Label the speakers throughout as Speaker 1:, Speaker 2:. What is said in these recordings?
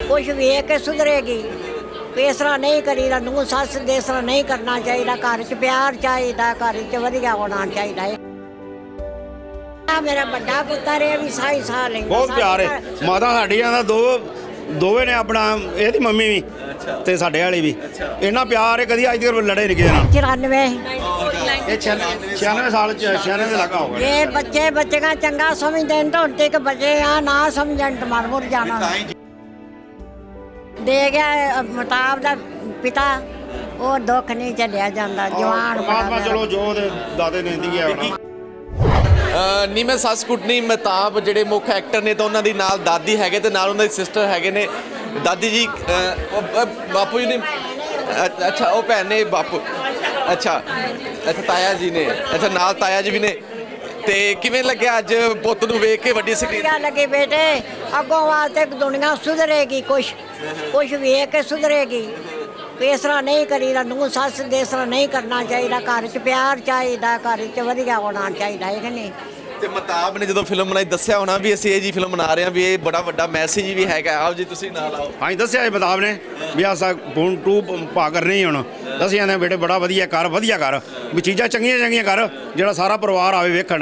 Speaker 1: ਕੁਛ ਵੇਖ ਕੇ ਸੁਧਰੇਗੀ। ਇਸ ਤਰ੍ਹਾਂ ਨਹੀਂ ਕਰੀਦਾ, ਨੂੰ ਸੱਸ ਦੇ ਇਸ ਤਰ੍ਹਾਂ ਨਹੀਂ ਕਰਨਾ ਚਾਹੀਦਾ। ਘਰ 'ਚ ਪਿਆਰ ਚਾਹੀਦਾ, ਘਰ 'ਚ ਵਧੀਆ ਹੋਣਾ ਚਾਹੀਦਾ ਹੈ। ਮੇਰਾ ਵੱਡਾ ਪੁੱਤਰ ਇਹ ਵੀ ਸਾਈ ਸਾਹ ਲੈਂਦਾ,
Speaker 2: ਬਹੁਤ ਪਿਆਰ ਹੈ। ਮਾਤਾ ਸਾਡੀਆਂ ਦਾ ਦੋਵੇਂ ਨੇ ਆਪਣਾ, ਇਹਦੀ ਮੰਮੀ ਵੀ ਤੇ ਸਾਡੇ ਵਾਲੀ ਵੀ ਇੰਨਾ ਪਿਆਰ ਹੈ, ਕਦੀ ਅੱਜ ਤੱਕ ਲੜੇ ਨਹੀਂ ਕਿਸੇ ਨਾਲ।
Speaker 1: 94
Speaker 2: ਇਹ 96 ਸਾਲ 96 ਦੇ ਲੱਗਾ ਹੋਗਾ।
Speaker 1: ਇਹ ਬੱਚਿਆਂ ਚੰਗਾ ਸਮਝਦੇ ਨੇ, ਹੁਣ ਤੱਕ ਬੱਚੇ ਆ ਨਾ ਸਮਝਣ ਤੇ ਮਰ ਮੁਰ ਜਾਣਾ। ਦੇ ਗਿਆ ਮਤਾਬ ਦਾ ਪਿਤਾ, ਉਹ ਦੁੱਖ ਨਹੀਂ ਝੱਲਿਆ ਜਾਂਦਾ। ਜਵਾਨ
Speaker 2: ਪਰਮਾਤਮਾ ਚਲੋ ਜੋ ਦੇ ਦਾਦੇ ਨੇ ਦੀ ਹੈ।
Speaker 3: ਨਹੀਂ ਮੈਂ ਸੱਸ ਕੁੱਟਣੀ ਮਹਿਤਾਬ ਜਿਹੜੇ ਮੁੱਖ ਐਕਟਰ ਨੇ ਤਾਂ ਉਹਨਾਂ ਦੀ ਨਾਲ ਦਾਦੀ ਹੈਗੇ ਤੇ ਨਾਲ ਉਹਨਾਂ ਦੀ ਸਿਸਟਰ ਹੈਗੇ ਨੇ। ਦਾਦੀ ਜੀ ਬਾਪੂ ਜੀ ਨੇ, ਅੱਛਾ ਉਹ ਭੈਣ ਨੇ ਬਾਪੂ, ਅੱਛਾ ਤਾਇਆ ਜੀ ਨੇ, ਅੱਛਾ ਨਾਲ ਤਾਇਆ ਜੀ ਵੀ ਨੇ। ਤੇ ਕਿਵੇਂ ਲੱਗਿਆ ਅੱਜ ਪੁੱਤ ਨੂੰ ਵੇਖ ਕੇ ਵੱਡੀ ਸਕਰੀਨ?
Speaker 1: ਵਧੀਆ ਲੱਗੇ ਬੇਟੇ, ਅੱਗੋਂ ਵਾਸਤੇ ਦੁਨੀਆ ਸੁਧਰੇਗੀ, ਕੁਛ ਵੇਖ ਕੇ ਸੁਧਰੇਗੀ। ਇਸ ਤਰ੍ਹਾਂ ਨਹੀਂ ਕਰੀਦਾ, ਨੂੰ ਸੱਸ ਦੇ ਇਸ ਤਰ੍ਹਾਂ ਨਹੀਂ ਕਰਨਾ ਚਾਹੀਦਾ। ਘਰ 'ਚ ਪਿਆਰ ਚਾਹੀਦਾ, ਘਰ 'ਚ ਵਧੀਆ ਹੋਣਾ ਚਾਹੀਦਾ ਹੈ ਕਿ ਨਹੀਂ।
Speaker 3: ਤੇ ਮਹਿਤਾਬ ਨੇ ਜਦੋਂ ਫਿਲਮ ਬਣਾਈ ਦੱਸਿਆ ਹੋਣਾ ਵੀ ਅਸੀਂ ਇਹ ਜੀ ਫਿਲਮ ਬਣਾ ਰਹੇ ਹਾਂ, ਵੀ ਇਹ ਬੜਾ ਵੱਡਾ ਮੈਸੇਜ ਵੀ ਹੈਗਾ। ਆਓ ਜੀ ਤੁਸੀਂ ਨਾਲ ਆਓ।
Speaker 2: ਹਾਂਜੀ ਦੱਸਿਆ ਇਹ ਮਹਿਤਾਬ ਨੇ ਵੀ ਆਸਾ ਹੁਣ 2 ਪਾ ਕਰਨੀ ਹੁਣ। ਦੱਸਿਆ ਨੇ ਬੇਟੇ ਬੜਾ ਵਧੀਆ ਕਰ ਵੀ ਚੀਜ਼ਾਂ ਚੰਗੀਆਂ ਕਰ, ਜਿਹੜਾ ਸਾਰਾ ਪਰਿਵਾਰ ਆਵੇ ਵੇਖਣ,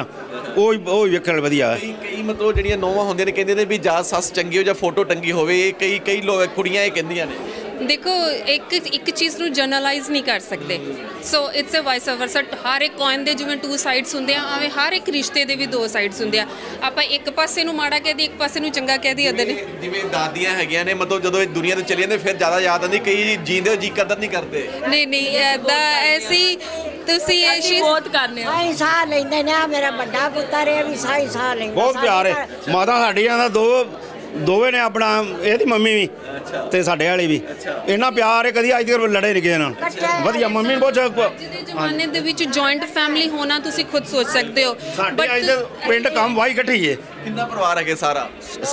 Speaker 2: ਉਹ ਵੇਖਣ ਵਧੀਆ ਹੈ।
Speaker 3: ਕਈ ਮਤਲਬ ਜਿਹੜੀਆਂ ਨੌਵਾਂ ਹੁੰਦੀਆਂ ਨੇ ਕਹਿੰਦੇ ਨੇ ਵੀ ਜਾਂ ਸੱਸ ਚੰਗੀ ਹੋ ਜਾਂ ਫੋਟੋ ਟੰਗੀ ਹੋਵੇ। ਇਹ ਕਈ ਕੁੜੀਆਂ ਇਹ ਕਹਿੰਦੀਆਂ ਨੇ।
Speaker 4: ਦੇਖੋ ਇੱਕ ਚੀਜ਼ ਨੂੰ ਜਨਰਲਾਈਜ਼ ਨਹੀਂ ਕਰ ਸਕਦੇ। So it's a vice ਵਰਸਾ। ਹਰ ਇੱਕ ਕੋਇਨ ਦੇ ਜਿਵੇਂ 2 ਸਾਈਡਸ ਹੁੰਦੇ ਆ, ਐਵੇਂ ਹਰ ਇੱਕ ਰਿਸ਼ਤੇ ਦੇ ਵੀ 2 ਸਾਈਡਸ ਹੁੰਦੇ ਆ। ਆਪਾਂ ਇੱਕ ਪਾਸੇ ਨੂੰ ਮਾੜਾ ਕਹਿ ਦੀ, ਇੱਕ ਪਾਸੇ ਨੂੰ ਚੰਗਾ ਕਹਿ ਦੀ। ਅਦਰ
Speaker 3: ਜਿਵੇਂ ਦਾਦੀਆਂ ਹੈਗੀਆਂ ਨੇ, ਮਤਲਬ ਜਦੋਂ ਇਹ ਦੁਨੀਆ ਤੋਂ ਚਲੇ ਜਾਂਦੇ ਫਿਰ ਜ਼ਿਆਦਾ ਯਾਦ ਆਉਂਦੀ। ਕਈ ਜੀਂਦੇ ਹੋ ਜੀ ਕਦਰ ਨਹੀਂ ਕਰਦੇ।
Speaker 4: ਨਹੀਂ ਐਦਾਂ ਐਸੀ ਤੁਸੀਂ ਇਹ ਚੀਜ਼ ਬਹੁਤ ਕਰਨੇ ਆ।
Speaker 1: ਸਾਈ ਸਾਹ ਲੈਂਦੇ ਨੇ। ਮੇਰਾ ਵੱਡਾ ਪੁੱਤਰ ਇਹ ਵੀ ਸਾਈ ਸਾਹ ਲੈਂਦਾ।
Speaker 2: ਬਹੁਤ ਪਿਆਰ ਹੈ। ਮਾਤਾ ਸਾਡੀਆਂ ਦਾ ਦੋਵੇਂ ਨੇ ਆਪਣਾ, ਇਹਦੀ ਮੰਮੀ ਵੀ ਤੇ ਸਾਡੇ ਵਾਲੀ ਵੀ ਇੰਨਾ ਪਿਆਰ ਹੈ, ਕਦੀ ਅੱਜ ਤੱਕ ਲੜੇ ਨਹੀਂ ਕਿਸੇ ਨਾਲ। ਵਧੀਆ ਮੰਮੀ ਨੂੰ ਬਹੁਤ।
Speaker 4: ਅੱਜ ਦੇ ਜ਼ਮਾਨੇ ਦੇ ਵਿੱਚ ਜੁਆਇੰਟ ਫੈਮਿਲੀ ਹੋਣਾ ਤੁਸੀਂ ਖੁਦ ਸੋਚ ਸਕਦੇ ਹੋ।
Speaker 2: ਸਾਡੇ ਅੱਜ ਦੇ ਪਿੰਡ ਕੰਮ ਵਾਈ ਇਕੱਠੀ ਹੈ।
Speaker 3: ਕਿੰਨਾ ਪਰਿਵਾਰ ਹੈਗੇ ਸਾਰਾ?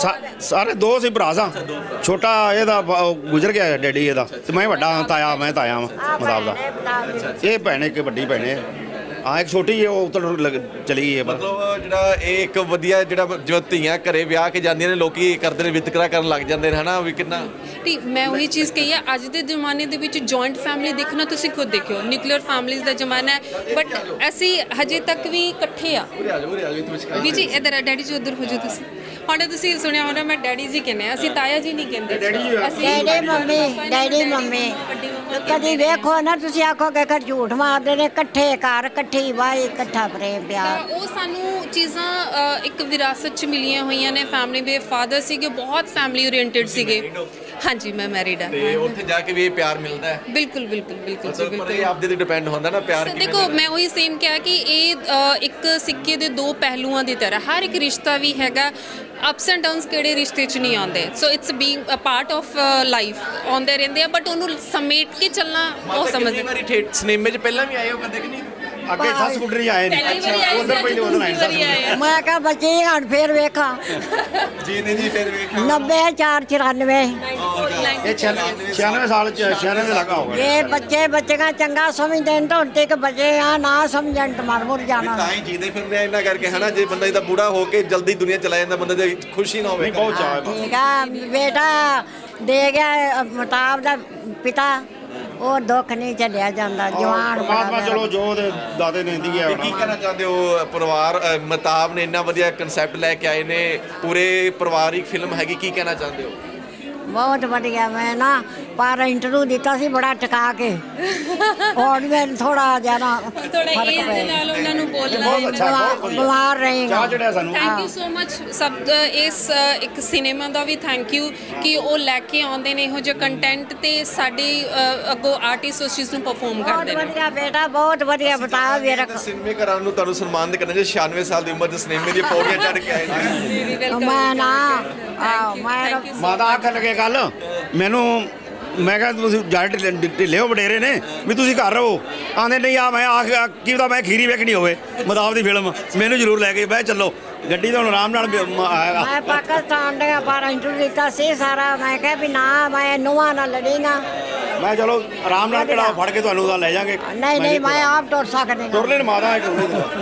Speaker 2: ਸਾਰੇ 2 ਸੀ ਭਰਾ ਸਾਂ। ਛੋਟਾ ਇਹਦਾ ਗੁਜ਼ਰ ਗਿਆ ਡੈਡੀ ਇਹਦਾ, ਤੇ ਮੈਂ ਵੱਡਾ ਤਾਇਆ ਵਾਂ ਮਤਾਬ ਦਾ। ਇਹ ਭੈਣ ਇੱਕ ਵੱਡੀ ਭੈਣ ਹੈ, ਇੱਕ ਛੋਟੀ ਹੈ, ਉਹ ਉੱਤਰ ਚਲੀ ਗਈ ਹੈ।
Speaker 3: ਮਤਲਬ ਜਿਹੜਾ ਇਹ ਇੱਕ ਵਧੀਆ ਜਿਹੜਾ ਜੋ ਧੀਆਂ ਘਰੇ ਵਿਆਹ ਕੇ ਜਾਂਦੀਆਂ ਨੇ, ਲੋਕੀ ਕਰਦੇ ਨੇ ਵਿਤਕਰਾ ਕਰਨ ਲੱਗ ਜਾਂਦੇ ਨੇ, ਹਨਾ ਵੀ ਕਿੰਨਾ।
Speaker 4: ਨਹੀਂ ਮੈਂ ਉਹੀ ਚੀਜ਼ ਕਹੀ ਆ, ਅੱਜ ਦੇ ਜ਼ਮਾਨੇ ਦੇ ਵਿੱਚ ਜੁਆਇੰਟ ਫੈਮਿਲੀ ਦੇਖਣਾ ਤੁਸੀਂ ਖੁਦ ਦੇਖਿਓ। ਨਿਊਕਲੀਅਰ ਫੈਮਿਲੀਜ਼ ਦਾ ਜ਼ਮਾਨਾ ਹੈ, ਬਟ ਅਸੀਂ ਹਜੇ ਤੱਕ ਵੀ ਇਕੱਠੇ ਆ। ਵੀ ਜੀ ਇੱਧਰ ਡੈਡੀ ਜੀ ਉੱਧਰ ਹੋ ਜਾਓ ਤੁਸੀਂ। ਹੁਣ ਤੁਸੀਂ ਸੁਣਿਆ ਹੋਣਾ ਮੈਂ ਡੈਡੀ ਜੀ ਕਹਿੰਦੇ ਆ, ਅਸੀਂ ਤਾਇਆ ਜੀ ਨਹੀਂ ਕਹਿੰਦੇ।
Speaker 1: ਡੈਡੀ ਮੰਮੀ ਕਦੀ ਵੇਖੋ ਨਾ ਤੁਸੀਂ ਆਖੋਗੇ ਕਿ ਝੂਠ ਮਾਰਦੇ ਨੇ। ਇਕੱਠੇ ਘਰ, ਇਕੱਠੀ ਵਾਈ, ਇਕੱਠਾ ਪ੍ਰੇਮ ਪਿਆਰ।
Speaker 4: ਉਹ ਸਾਨੂੰ ਚੀਜ਼ਾਂ ਇੱਕ ਵਿਰਾਸਤ 'ਚ ਮਿਲੀਆਂ ਹੋਈਆਂ ਨੇ। ਫੈਮਿਲੀ ਦੇ ਫਾਦਰ ਸੀਗੇ, ਬਹੁਤ ਫੈਮਿਲੀ ਓਰੀਐਂਟਡ ਸੀਗੇ। ਹਾਂਜੀ ਮੈਂ ਮੈਰਿਡ ਆ।
Speaker 3: ਤੇ ਉੱਥੇ ਜਾ ਕੇ ਵੀ ਇਹ ਪਿਆਰ ਮਿਲਦਾ ਹੈ?
Speaker 4: ਬਿਲਕੁਲ
Speaker 3: ਪਰ ਇਹ ਆਪਦੇ ਤੇ ਡਿਪੈਂਡ ਹੁੰਦਾ ਨਾ ਪਿਆਰ।
Speaker 4: ਦੇਖੋ ਮੈਂ ਉਹੀ ਸੇਮ ਕਿਹਾ ਕਿ ਇਹ ਇੱਕ ਸਿੱਕੇ ਦੇ 2 ਪਹਿਲੂਆਂ ਦੀ ਤਰ੍ਹਾਂ। ਹਰ ਇੱਕ ਰਿਸ਼ਤਾ ਵੀ ਹੈਗਾ, ਅਪਸ ਐਂਡ ਡਾਊਨਸ ਕਿਹੜੇ ਰਿਸ਼ਤੇ 'ਚ ਨਹੀਂ ਆਉਂਦੇ। So it's being a part of life, ਆਉਂਦੇ ਰਹਿੰਦੇ ਆ, ਬਟ ਉਹਨੂੰ ਸਮੇਟ ਕੇ ਚੱਲਣਾ ਉਹ ਸਮਝਦੇ।
Speaker 3: ਵਾਰੀ ਸਿਨੇਮੇ 'ਚ ਪਹਿਲਾਂ ਵੀ ਆਏ ਹੋ ਕਦੇ ਕਿ ਨਹੀਂ?
Speaker 2: ਅੱਗੇ ਸੱਸ ਕੁੱਟਣੀ ਆਏ ਨੇ। ਉਧਰ ਪਹਿਲੇ ਉਧਰ ਆਏ ਸੱਸ ਕੁੱਟਣੀ।
Speaker 1: ਮੈਂ ਕਿਹਾ ਬੱਚੇ ਹਣ ਫੇਰ ਵੇਖਾਂ।
Speaker 3: ਜੀ ਨਹੀਂ ਜੀ ਫਿਰ ਵੇਖ
Speaker 1: 90 4 94
Speaker 2: ਇਹ 96 ਸਾਲ 96 ਦੇ ਲੱਗਾ ਹੋਗਾ।
Speaker 1: ਇਹ ਬੱਚਿਆਂ ਚੰਗਾ ਸਮਝਦੇ ਨੇ, ਹੁਣ ਤੱਕ ਬੱਚੇ ਆ ਨਾ ਸਮਝਣ ਤੇ ਮਰ ਮੁਰ ਜਾਣਾ।
Speaker 3: ਤਾਂ ਹੀ ਜੀਂਦੇ ਫਿਰਦੇ ਆ ਇਹਨਾਂ ਕਰਕੇ, ਹਨਾ। ਜੇ ਬੰਦਾ ਇਹਦਾ ਬੂੜਾ ਹੋ ਕੇ ਜਲਦੀ ਦੁਨੀਆ ਚਲਾ ਜਾਂਦਾ, ਬੰਦੇ ਦੀ ਖੁਸ਼ੀ ਨਾ ਹੋਵੇ।
Speaker 2: ਬਹੁਤ ਚਾਹ ਹੈ।
Speaker 1: ਠੀਕ ਆ ਬੇਟਾ, ਦੇ ਗਿਆ ਮਤਾਬ ਦਾ ਪਿਤਾ, ਉਹ ਦੁੱਖ ਨਹੀਂ ਝੱਲਿਆ ਜਾਂਦਾ। ਜਵਾਨ
Speaker 2: ਪਰਮਾਤਮਾ ਚਲੋ ਜੋ ਦੇ ਦਾਦੇ ਨੇ ਦੀ ਹੈ।
Speaker 3: ਕੀ ਕਹਿਣਾ ਚਾਹੁੰਦੇ ਹੋ? ਪਰਿਵਾਰ ਮਹਿਤਾਬ ਨੇ ਇੰਨਾ ਵਧੀਆ ਕਨਸੈਪਟ ਲੈ ਕੇ ਆਏ ਨੇ, ਪੂਰੇ ਪਰਿਵਾਰਿਕ ਫਿਲਮ ਹੈਗੀ, ਕੀ ਕਹਿਣਾ ਚਾਹੁੰਦੇ ਹੋ?
Speaker 1: ਬਹੁਤ ਵਧੀਆ। ਮੈਂ ਨਾ ਪਰ ਇੰਟਰਵਿਊ ਦਿੱਤਾ ਸੀ ਬੜਾ ਟਿਕਾ ਕੇ। ਹੁਣ ਮੈਂ ਥੋੜਾ ਜਿਹਾ
Speaker 4: ਥੋੜਾ ਏਜ ਦੇ ਨਾਲ ਉਹਨਾਂ ਨੂੰ ਬੋਲਣਾ।
Speaker 1: ਬਿਮਾਰ ਰਹੇਗਾ।
Speaker 2: ਚਾਹ ਚੜਿਆ ਸਾਨੂੰ।
Speaker 4: ਥੈਂਕ ਯੂ ਸੋ ਮਚ ਸਭ ਇਸ ਇੱਕ ਸਿਨੇਮਾ ਦਾ ਵੀ ਥੈਂਕ ਯੂ ਕਿ ਉਹ ਲੈ ਕੇ ਆਉਂਦੇ ਨੇ ਇਹੋ ਜਿਹਾ ਕੰਟੈਂਟ, ਤੇ ਸਾਡੇ ਅੱਗੋਂ ਆਰਟਿਸਟ ਉਸ ਚੀਜ਼ ਨੂੰ ਪਰਫਾਰਮ ਕਰਦੇ ਨੇ।
Speaker 1: ਵਧੀਆ ਬੇਟਾ, ਬਹੁਤ ਵਧੀਆ ਬਤਾ ਵੀਰ।
Speaker 3: ਸਿਨੇਮੇ ਘਰਾਂ ਨੂੰ ਤੁਹਾਨੂੰ ਸਨਮਾਨਿਤ ਕਰਨਾ ਜੇ 96 ਸਾਲ ਦੀ ਉਮਰ ਦੇ ਸਿਨੇਮੇ ਦੀ ਪੌੜੀਆਂ ਚੜ੍ਹ ਕੇ ਆਏ ਨੇ।
Speaker 1: ਮੈਂ ਨਾ
Speaker 2: ਮਾਤਾ ਆਖਣ ਲੱਗੇ ਕੱਲ ਮੈਨੂੰ, ਮੈਂ ਕਿਹਾ ਤੁਸੀਂ ਜੱਟ ਢਿੱਲੇ ਹੋ ਵਡੇਰੇ ਨੇ ਵੀ ਤੁਸੀਂ ਘਰ ਰਹੋ। ਆਂਦੇ ਨਹੀਂ ਆ ਮੈਂ ਕੀ ਪਤਾ ਮੈਂ ਖੀਰੀ ਵੇਖਣੀ ਹੋਵੇ ਮਹਿਤਾਬ ਦੀ ਫਿਲਮ, ਮੈਨੂੰ ਜ਼ਰੂਰ ਲੈ ਕੇ ਬਹਿ ਚੱਲੋ ਗੱਡੀ। ਤਾਂ ਹੁਣ ਆਰਾਮ ਨਾਲ ਆਏਗਾ।
Speaker 1: ਮੈਂ ਪਾਕਿਸਤਾਨ ਦੇ ਪਰ ਇੰਟਰਵਿਊ ਦਿੱਤਾ ਸੀ ਸਾਰਾ। ਮੈਂ ਕਿਹਾ ਵੀ ਨਾ ਮੈਂ ਨੂੰਹਾਂ ਨਾਲ ਲੜੇਗਾ।
Speaker 2: ਮੈਂ ਚਲੋ ਆਰਾਮ ਨਾਲ ਕਿਹੜਾ ਫੜ ਕੇ ਤੁਹਾਨੂੰ ਲੈ ਜਾਾਂਗੇ।
Speaker 1: ਨਹੀਂ ਮੈਂ ਆਪ ਤੁਰ ਸਕਦੀ।
Speaker 2: ਤੁਰ ਲੈਣ ਮਾਤਾ।